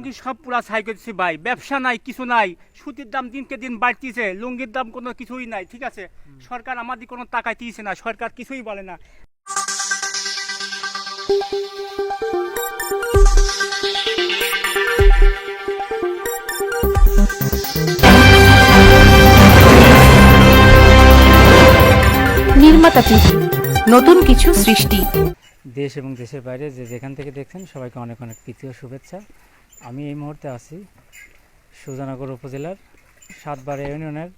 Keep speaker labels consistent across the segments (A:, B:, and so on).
A: লুঙ্গি সব পুরা ছাই করছি ভাই, ব্যবসা নাই, কিছু নাই। সুতির দাম দিনকে দিন বাড়তিছে, লুঙ্গির দাম কোনো কিছুই নাই, ঠিক আছে। সরকার আমাদের কোনো টাকা দিয়েছে না, সরকার কিছুই বলে না।
B: নির্মাতা টিভি, নতুন কিছু সৃষ্টি।
A: দেশ এবং দেশের বাইরে যে যেখান থেকে দেখছেন সবাইকে অনেক অনেক প্রীতি ও শুভেচ্ছা। আমি এই মুহূর্তে আছি সুজানগর উপজেলার সাতবাড়া ইউনিয়নের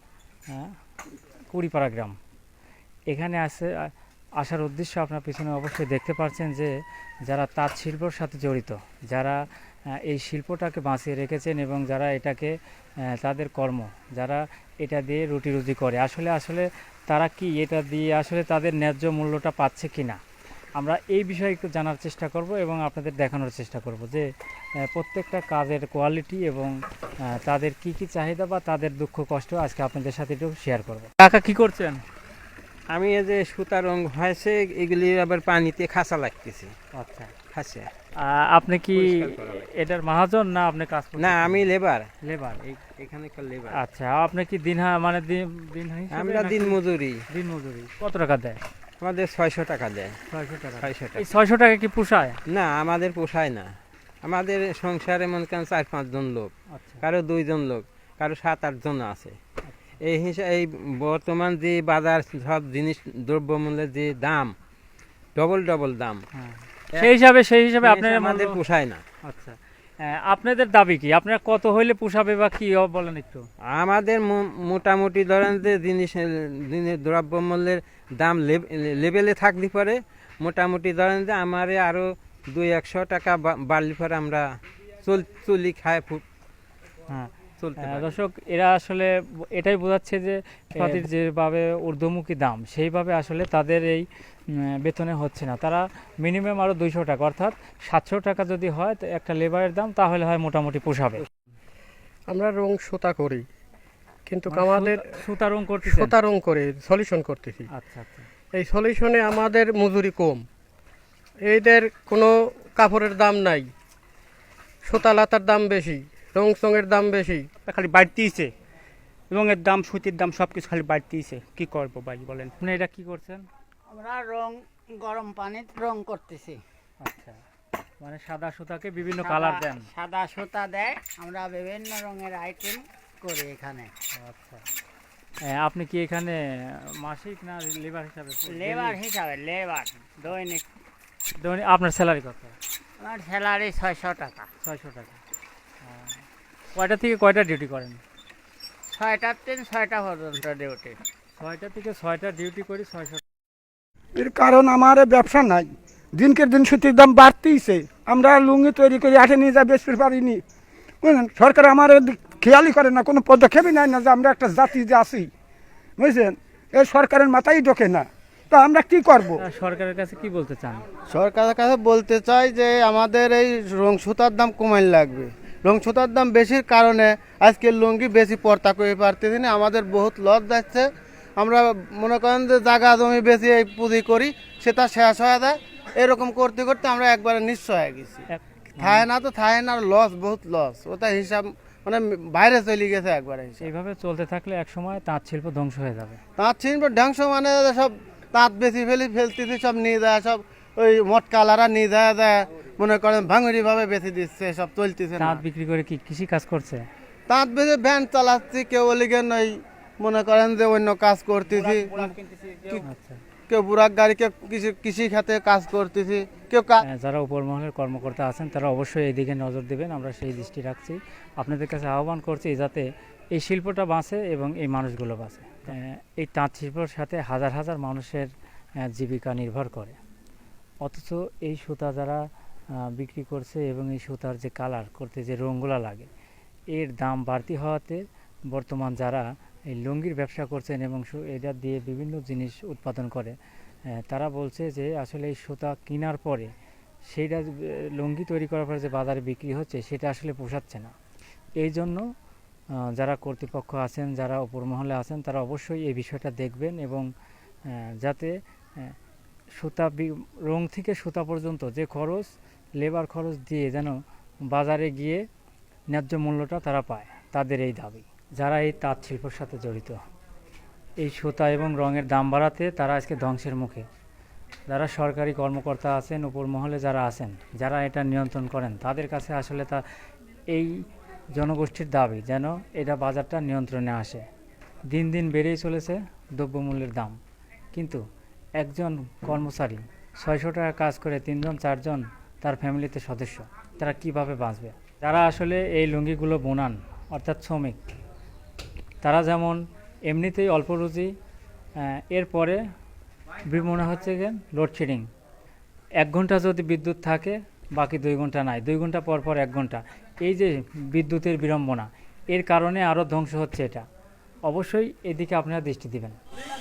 A: কুড়িপাড়া গ্রাম। এখানে আসার উদ্দেশ্য আপনার পিছনে অবশ্যই দেখতে পাচ্ছেন যে যারা তাঁত শিল্পর সাথে জড়িত, যারা এই শিল্পটাকে বাঁচিয়ে রেখেছেন এবং যারা এটাকে তাদের কর্ম, যারা এটা দিয়ে রুটি রুজি করে, আসলে তারা কি এটা দিয়ে আসলে তাদের ন্যায্য মূল্যটা পাচ্ছে কি না, আমরা এই বিষয়ে একটু জানার চেষ্টা করব এবং আপনাদের দেখানোর চেষ্টা করব যে প্রত্যেকটা কাজের কোয়ালিটি এবং তাদের কি কি চাহিদা বা তাদের দুঃখ কষ্ট আজকে আপনাদের সাথে একটু শেয়ার করব। কাকা কি করছেন?
C: আমি এই যে সুতা রং হয়েছে, এগুলি আবার পানিতে খাঁচা লাগতেছে।
A: আচ্ছা,
C: খাঁচা।
A: আপনি কি এটার মহাজন না আপনি কাজ করছেন?
C: না, আমি লেবার।
A: লেবার।
C: এখানে লেবার।
A: আচ্ছা, আপনি কি দিন মানে দিন হিসেবে
C: আমরা
A: নাকি
C: দিন মজুরি।
A: দিন মজুরি কত টাকা দেয়?
C: আমাদের 600 টাকা দেয়।
A: 600 টাকা।
C: 600 টাকা।
A: এই 600 টাকা কি পোষায়?
C: না, আমাদের পোষায় না। আমাদের সংসারে মনে করেন 4-5 জন লোক,
A: আচ্ছা,
C: কারো 2 জন লোক, কারো 7-8 জন আছে। এই হিসাবে এই বর্তমান যে বাজার সব জিনিস দ্রব্যমূল্যের যে দাম, ডবল দাম,
A: হ্যাঁ। সেই হিসাবে আপনার
C: আমাদের পোষায় না।
A: আচ্ছা, আপনাদের দাবি কি? আপনারা কত হইলে পোষাবে বা কি বলেন একটু?
C: আমাদের মোটামুটি ধরেন যে জিনিস দ্রব্যমূল্যের দাম লেভেলে থাকলে পরে মোটামুটি ধরেন যে আমারে আরো 200-100 টাকা বাড়লে পরে আমরা চলি খায়
A: হ্যাঁ,
C: চলতে পারি।
A: দর্শক, এরা আসলে এটাই বোঝাচ্ছে যে পাতির যেভাবে ঊর্ধ্বমুখী দাম, সেইভাবে আসলে তাদের এই বেতনে হচ্ছে না। তারা মিনিমাম আরও 200 টাকা, অর্থাৎ 700 টাকা যদি হয় তো একটা লেবারের দাম, তাহলে হয় মোটামুটি পোষাবে।
D: আমরা রং সুতা করি, কিন্তু
A: মানে
D: আমাদের
A: সুতা রং করতে
D: সুতা রং করে সলিউশন করতেছি।
A: আচ্ছা আচ্ছা।
D: এই সলিউশনে আমাদের মজুরি কম, এদের কোনো কাপড়ের দাম নাই, সুতা লাতার দাম বেশি, রং সঙের দাম বেশি,
A: খালি বাড়তিছে, রঙের দাম, সুতির দাম, সব কিছু খালি বাড়তিছে। কি করবো ভাই বলেন? আপনি এটা কি করছেন?
E: আমরা রং গরম পানির রং করতেছি।
A: আচ্ছা, মানে সাদা সুতাকে বিভিন্ন কালার দেন?
E: সাদা সুতা দেয়, আমরা বিভিন্ন রঙের আইটেম করি এখানে।
A: আচ্ছা, আপনি কি এখানে মাসিক না লেবার হিসাবে?
E: লেবার দৈনিক।
A: আপনার স্যালারি কত?
E: আমার স্যালারি 600 টাকা।
A: 600 টাকা। কয়টা থেকে কয়টা ডিউটি করেন?
E: 6টার থেকে 6টা পর্যন্ত ডিউটি।
A: 6টা থেকে 6টা ডিউটি করি, 600।
F: এর কারণ আমার ব্যবসা নাই, দিনকে দিন সুতির দাম বাড়তেইছে। আমরা লুঙ্গি তৈরি করে আটে নিয়ে যা বেচতে পারিনি, বুঝলেন। সরকার আমার খেয়ালই করে না, কোনো পদক্ষেপই নেয় না যে আমরা একটা জাতি যে আছি, বুঝছেন। এই সরকারের মাথায় ঢোকে না, তো আমরা কি করব?
A: সরকারের কাছে কি বলতে চান?
G: সরকারের কাছে বলতে চাই যে আমাদের এই রং সুতার দাম কমাই লাগবে। রং সুতার দাম বেশির কারণে আজকে লুঙ্গি বেশি পর্তা করে পারতেছি না, আমাদের বহুত লস যাচ্ছে। আমরা মনে করেন যে জায়গা জমি বেশি এই পুঁজি করি, সেটা শেষ হয়ে যায়। এরকম করতে করতে আমরা একবারে নিঃস্ব হয়ে গেছি। থায় না লস, বহুত লস। ওটা হিসাব মানে বাইরে চলে গেছে একবারে হিসাব।
A: এইভাবে চলতে থাকলে এক সময় তাঁত শিল্প ধ্বংস হয়ে যাবে।
G: তাঁত শিল্প ধ্বংস মানে সব তাঁত বেশি ফেলতেছি, সব নিয়ে যায়, সব ওই মটকালারা নিয়ে যায় মনে করেন ভাঙুরি ভাবে বেশি দিচ্ছে, সব চলতেছে না।
A: তাঁত বিক্রি করে কি কৃষি কাজ করছে?
G: তাঁত বেশি ভ্যান চালাচ্ছি, কেউ ওলিগেন ওই মনে করেন যে অন্য কাজ করতেছি,
A: আচ্ছা,
G: কেউ বুড়াক গাড়ি, কেউ কৃষি খাতে কাজ করতেছি, কেউ
A: যারা উপর মহলের কর্মকর্তা আছেন তারা অবশ্যই এই দিকে নজর দেবেন, আমরা সেই দৃষ্টি রাখছি। আপনাদের কাছে আহ্বান করছি যাতে এই শিল্পটা বাঁচে এবং এই মানুষগুলো বাঁচে। এই তাঁত শিল্পর সাথে হাজার হাজার মানুষের জীবিকা নির্ভর করে, অথচ এই সুতা যারা বিক্রি করছে এবং এই সুতার যে কালার করতে যে রঙগুলো লাগে, এর দাম বাড়তি হওয়াতে বর্তমান যারা এই লুঙ্গির ব্যবসা করছেন এবং এটা দিয়ে বিভিন্ন জিনিস উৎপাদন করে, তারা বলছে যে আসলে এই সুতা কেনার পরে সেইটা লুঙ্গি তৈরি করার পরে যে বাজারে বিক্রি হচ্ছে সেটা আসলে পোষাচ্ছে না। এই জন্য যারা কর্তৃপক্ষ আছেন, যারা উপর মহলে আছেন, তারা অবশ্যই এই বিষয়টা দেখবেন এবং যাতে সুতা রং থেকে সুতা পর্যন্ত যে খরচ, লেবার খরচ দিয়ে যেন বাজারে গিয়ে ন্যায্য মূল্যটা তারা পায়, তাদের এই দাবি। যারা এই তাঁত শিল্পের সাথে জড়িত, এই সুতা এবং রঙের দাম বাড়াতে তারা আজকে ধ্বংসের মুখে। যারা সরকারি কর্মকর্তা আছেন, উপর মহলে যারা আছেন, যারা এটা নিয়ন্ত্রণ করেন, তাদের কাছে আসলে তা এই জনগোষ্ঠীর দাবি যেন এটা বাজারটা নিয়ন্ত্রণে আসে। দিন দিন বেড়েই চলেছে দ্রব্যমূল্যের দাম, কিন্তু একজন কর্মচারী 600 টাকা কাজ করে 3জন 4জন তার ফ্যামিলিতে সদস্য, তারা কিভাবে বাঁচবে? যারা আসলে এই লুঙ্গিগুলো বোনান, অর্থাৎ শ্রমিক, তারা যেমন এমনিতেই অল্প রুজি, এরপরে মনে হচ্ছে যে লোডশেডিং, 1 ঘন্টা যদি বিদ্যুৎ থাকে বাকি 2 ঘন্টা নাই, 2 ঘন্টা পর পর 1 ঘন্টা, এই যে বিদ্যুতের বিড়ম্বনা, এর কারণে আরও ধ্বংস হচ্ছে এটা। অবশ্যই এদিকে আপনারা দৃষ্টি দিবেন।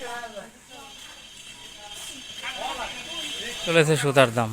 A: চলেছে সুতার দাম।